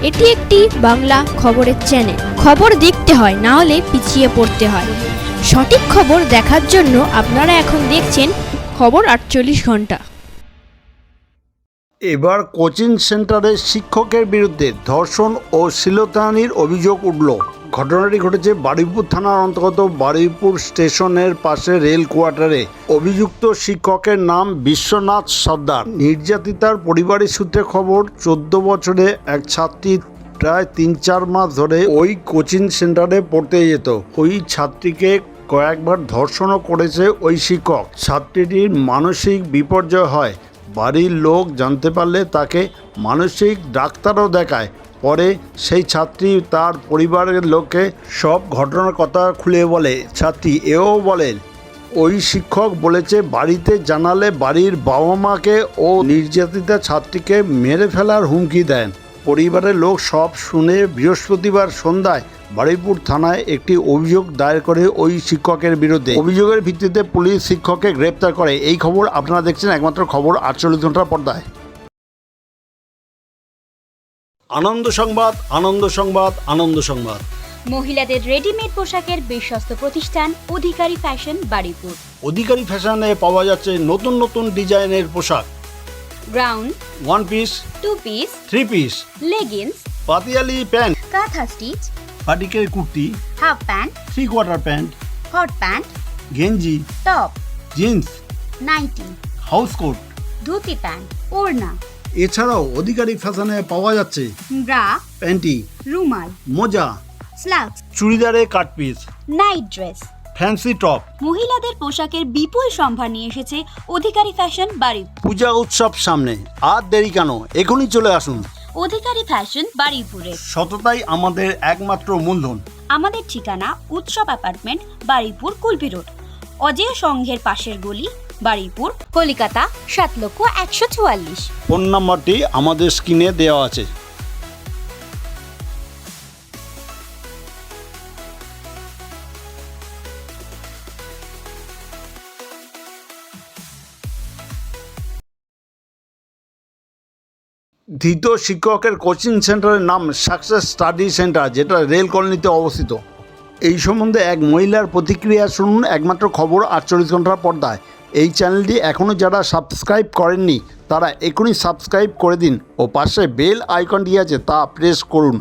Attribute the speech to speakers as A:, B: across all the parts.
A: এটি একটি বাংলা খবরের চ্যানেল। খবর দেখতে হয়, না হলে পিছিয়ে পড়তে হয়। সঠিক খবর দেখার জন্য আপনারা এখন দেখছেন খবর 48 ঘন্টা।
B: এবার কোচিং সেন্টারের শিক্ষকের বিরুদ্ধে ধর্ষণ ও শ্লীলতাহানির অভিযোগ উঠল। ঘটনাটি ঘটেছে বারুইপুর থানার অন্তর্গত বারুইপুর স্টেশনের পাশে রেল কোয়ার্টারে। অভিযুক্ত শিক্ষকের নাম বিশ্বনাথ সর্দার। নির্যাতিতার পরিবারের সূত্রে খবর, 14 বছরে এক ছাত্রী প্রায় 3-4 মাস ধরে ওই কোচিং সেন্টারে পড়তে যেত। ওই ছাত্রীকে কয়েকবার ধর্ষণও করেছে ওই শিক্ষক। ছাত্রীটির মানসিক বিপর্যয় হয়। বাড়ির লোক জানতে পারলে তাকে মানসিক ডাক্তারও দেখায়। পরে সেই ছাত্রী তার পরিবারের লোককে সব ঘটনার কথা খুলে বলে। ছাত্রী এও বলেন, ওই শিক্ষক বলেছে বাড়িতে জানালে বাড়ির বাবা মাকে ও নির্যাতিতা ছাত্রীকে মেরে ফেলার হুমকি দেন। পরিবারের লোক সব শুনে বৃহস্পতিবার সন্ধ্যায় বারুইপুর থানায় একটি অভিযোগ দায়ের করে ওই শিক্ষকের বিরুদ্ধে। অভিযোগের ভিত্তিতে পুলিশ শিক্ষককে গ্রেপ্তার করে। এই খবর আপনারা দেখছেন একমাত্র খবর 48 ঘন্টার পর্দায়। আনন্দ সংবাদ, আনন্দ সংবাদ, আনন্দ সংবাদ।
C: মহিলাদের রেডিমেড পোশাকের বিশ্বস্ত প্রতিষ্ঠান অধিকারী ফ্যাশন বারুইপুর।
B: অধিকারী ফ্যাশনে পাওয়া যাচ্ছে নতুন নতুন ডিজাইনের পোশাক,
C: ground,
B: 1 piece,
C: 2 piece,
B: 3 piece,
C: leggings,
B: পাতিয়ালি প্যান্ট,
C: কাঁথা স্টিচ,
B: পাটিকের kurti,
C: half pant,
B: 3/4 pant,
C: hot pant,
B: গেঞ্জি,
C: top,
B: jeans,
C: nightie,
B: house coat,
C: dhoti pant, ওড়না।
B: এছাড়াও অধিকারী ফ্যাশনে পাওয়া যাচ্ছে
C: ব্রা,
B: প্যান্টি,
C: রুমাল,
B: মোজা,
C: স্লাক্স,
B: চুড়িদারের cut piece,
C: night dress,
B: fancy top.
C: মহিলাদের পোশাকের বিপুল সম্ভার নিয়ে এসেছে অধিকারী ফ্যাশন বারুইপুর।
B: পূজা উৎসব সামনে, আর দেরি কেন, এখনই চলে আসুন।
C: অধিকারী ফ্যাশন বারুইপুরে।
B: সততাই আমাদের একমাত্র মূলধন।
C: আমাদের ঠিকানা উৎসব অ্যাপার্টমেন্ট, বারুইপুর, কুলপি রোড, অজেয় সংঘের পাশের গলি, বারুইপুর, কলকাতা 7,144,।
B: ফোন নাম্বারটি আমাদের স্ক্রিনে দেওয়া আছে। ধৃত শিক্ষকের কোচিং সেন্টারের নাম সাকসেস স্টাডি সেন্টার, যেটা রেল কলোনিতে অবস্থিত। এই সম্বন্ধে এক মহিলার প্রতিক্রিয়া শুনুন একমাত্র খবর 48 ঘন্টার পর্দায়। এই চ্যানেলটি এখনও যারা সাবস্ক্রাইব করেননি তারা এখনই সাবস্ক্রাইব করে দিন ও পাশে বেল আইকনটি আছে তা প্রেস করুন।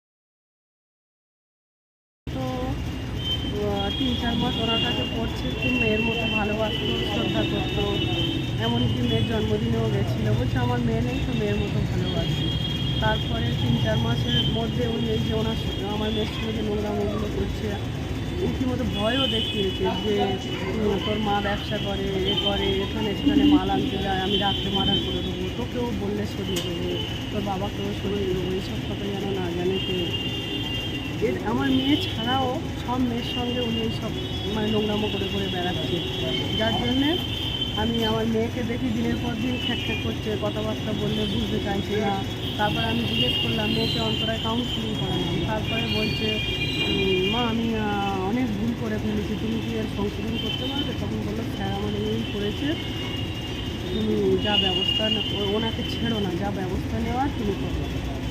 D: তো 3-4 মাস ওনার কাছে পড়ছে, খুব মেয়ের মতো ভালোবাসতো, শ্রদ্ধা করতো। এমনকি মেয়ের জন্মদিনেও গেছিলো, বলছে আমার মেয়ে নেই তো মেয়ের মতো ভালোবাসি। তারপরে 3-4 মাসের মধ্যে উনি এই যে আমার মেয়ের সঙ্গে যে নোংরামোগুলো করছে, রীতিমতো ভয়ও দেখিয়েছে যে তোর মা ব্যবসা করে, করে, এখানে সেখানে মাল আনতে যায়, আমি রাত্রে মার্ডার করে দেবো, তোকেও বললে সরিয়ে দেবো, তোর বাবাকেও সরিয়ে দেবো, এইসব কথা যেন না জানে কেউ। আমার মেয়ে ছাড়াও সব মেয়ের সঙ্গে উনি এইসব মানে নোংরামো করে করে বেড়াচ্ছে, যার জন্যে আমি আমার মেয়েকে দেখি দিনের পর দিন খ্যাক করছে, কথাবার্তা বললে বুঝতে চাইছে না। তারপরে আমি জিজ্ঞেস করলাম, মেয়েকে অন্তরায় কাউন্সিলিং করালাম। তারপরে বলছে, মা আমি অনেক ভুল করে ফেলেছি, তুমি কি এর সংশোধন করতে পারবে? তখন বললো, স্যার আমার এই করেছে, তুমি যা ব্যবস্থা ওনাকে ছেড়ো না, যা ব্যবস্থা নেওয়ার তুমি করো।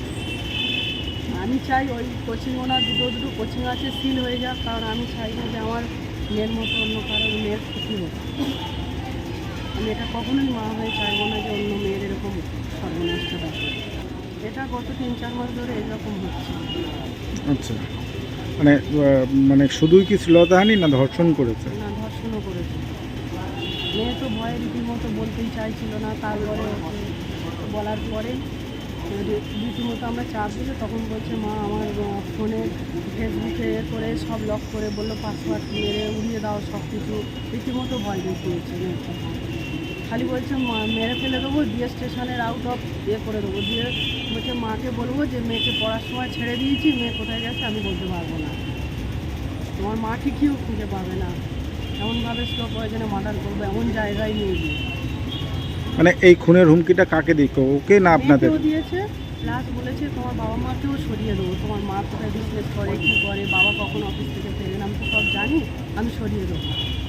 D: আমি চাই ওই কোচিং, ওনার দুটো কোচিং আছে, সিল হয়ে যাক, কারণ আমি চাই না যে আমার মেয়ের মতো অন্য কারো মেয়ের ক্ষতি হোক। আমি এটা কখনোই মা হয়ে চাইবো না যে অন্য মেয়ের এরকম সর্বনষ্ট থাকে। এটা গত 3-4 মাস ধরে এরকম হচ্ছে।
E: আচ্ছা, মানে শুধুই কি শ্লীলতাহানি না ধর্ষণ করেছে?
D: না, ধর্ষণও করেছে। মেয়ে তো ভয়ে রীতিমতো বলতেই চাইছিল না। তারপরে বলার পরে রীতিমতো আমরা চাপ দিলে তখন বলছে, মা আমার ফোনে ফেসবুকে করে সব লক করে বললো পাসওয়ার্ড মেরে উড়িয়ে দাও সব কিছু। রীতিমতো ভয় দেখিয়েছে মেয়েটা। খালি বলছে মেরে ফেলে দেবো, দিয়ে স্টেশনের আউট অফ করে দেবো, দিয়ে বলছে মাকে বলবো যে মেয়েকে পড়ার সময় ছেড়ে দিয়েছি, মেয়ে কোথায় গেছে আমি বলতে পারবো না, তোমার মা ঠিকইও খুঁজে পাবে না, এমনভাবে স্লো পয়জনে মার্ডার করবো, এমন জায়গায় নিয়ে গিয়ে।
E: মানে এই খুনের হুমকিটা কাকে দিত, ওকে না আপনাদের?
D: দিয়েছে, প্লাস বলেছে তোমার বাবা মাকেও সরিয়ে দেবো, তোমার মা কোথায় বিজনেস করে, কী করে, বাবা কখন অফিস থেকে ফেরেন আমি তো সব জানি, আমি সরিয়ে দেবো।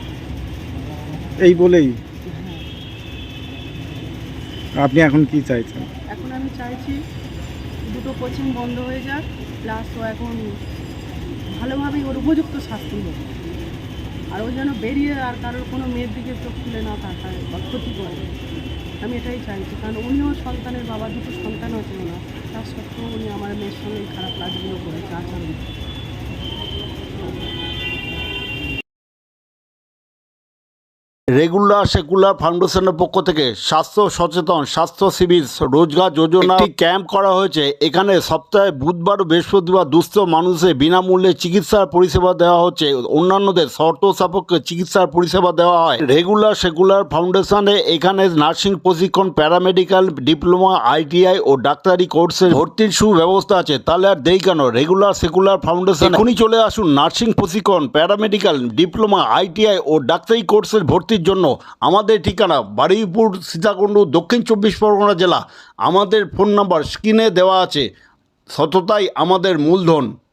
E: এই বলেই আপনি এখন কি চাইছেন?
D: এখন আমি চাইছি দুটো কোচিং বন্ধ হয়ে যাক, প্লাস ও এখন ভালোভাবেই ওর উপযুক্ত শাস্তি হবে। আর ও যেন বেরিয়ে আর কারোর কোনো মেয়ের দিকে চোখ তুলে না তাকায় বা ক্ষতি করে। আমি এটাই চাইছি, কারণ উনিও সন্তানের বাবা, দুটো সন্তান আছে ওনার, তার সত্ত্বেও উনি আমার মেয়ের সঙ্গে এই খারাপ কাজগুলো করেছে, আচরণ।
B: রেগুলার সেকুলার ফাউন্ডেশনের পক্ষ থেকে স্বাস্থ্য সচেতন স্বাস্থ্য শিবির রোজগার যোজনা একটি ক্যাম্প করা হয়েছে। এখানে সপ্তাহে বুধবার ও বৃহস্পতিবার দুস্থ মানুষের বিনামূল্যে চিকিৎসার পরিষেবা দেওয়া হচ্ছে, অন্যান্যদের শর্ত সাপেক্ষে চিকিৎসার পরিষেবা দেওয়া হয়। রেগুলার সেকুলার ফাউন্ডেশনে এখানে নার্সিং প্রশিক্ষণ, প্যারামেডিক্যাল ডিপ্লোমা, ITI ও ডাক্তারি কোর্সের ভর্তির সুব্যবস্থা আছে। তাহলে আর দেরি কেন? রেগুলার সেকুলার ফাউন্ডেশন এখনই চলে আসুন। নার্সিং প্রশিক্ষণ, প্যারামেডিক্যাল ডিপ্লোমা, ITI ও ডাক্তারি কোর্সের ভর্তির জন্য। আমাদের ঠিকানা বারুইপুর, সীতাকুণ্ড, দক্ষিণ 24 পরগনা জেলা। আমাদের ফোন নাম্বার স্ক্রিনে দেওয়া আছে। সততাই আমাদের মূলধন।